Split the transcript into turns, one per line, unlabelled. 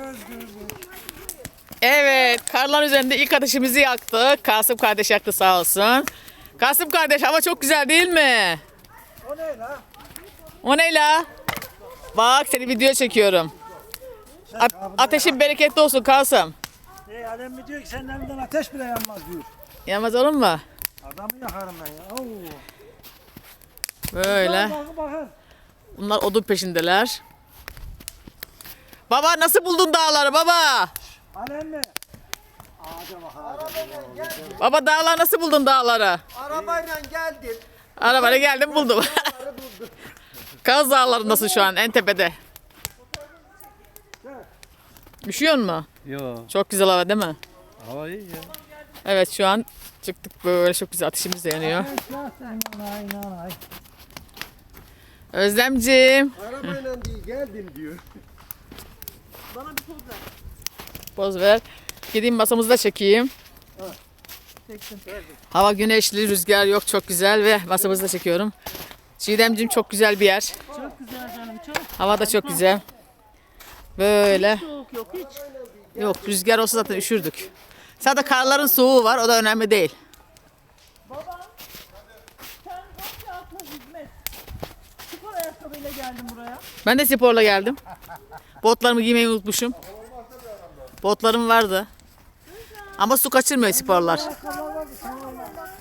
Evet, karlar üzerinde ilk ateşimizi yaktık. Kasım kardeş yaktı sağ olsun. Kasım kardeş, hava çok güzel değil mi?
O ne la?
O ne la? Bak, seni video çekiyorum. Ateşin bereketli olsun Kasım.
Alem mi diyor ki senin elinden ateş bile yanmaz diyor.
Yanmaz olur mu?
Adamı yakarım ben ya. Oo.
Böyle.
Bakın.
Bunlar odun peşindeler. Baba nasıl buldun dağları baba?
Alem mi? Ağaca bak ağaca.
Baba dağlar nasıl buldun dağları?
Arabayla geldim.
Arabayla geldim buldum. Kaz Dağları nasıl şu an en tepede? Üşüyor mu?
Yo,
Çok güzel hava değil mi?
hava iyi ya.
Evet şu an çıktık böyle çok güzel ateşimiz de yanıyor. Özlemciğim.
Arabayla değil geldim diyor.
Poz ver. Gideyim masamızı da çekeyim. Hava güneşli, rüzgar yok çok güzel ve masamızı da çekiyorum. Çiğdemciğim çok güzel bir yer.
Çok güzel canım çok.
Hava da çok güzel. Böyle.
Soğuk yok hiç.
Yok rüzgar olsa zaten üşürdük. Sadece karların soğuğu var o da önemli değil.
Baba sen bak ya atla hizmet. Spor ayakkabıyla geldim buraya.
Ben de sporla geldim. Botlarımı giymeyi unutmuşum. Botlarım vardı. Ama su kaçırmıyor sporlar.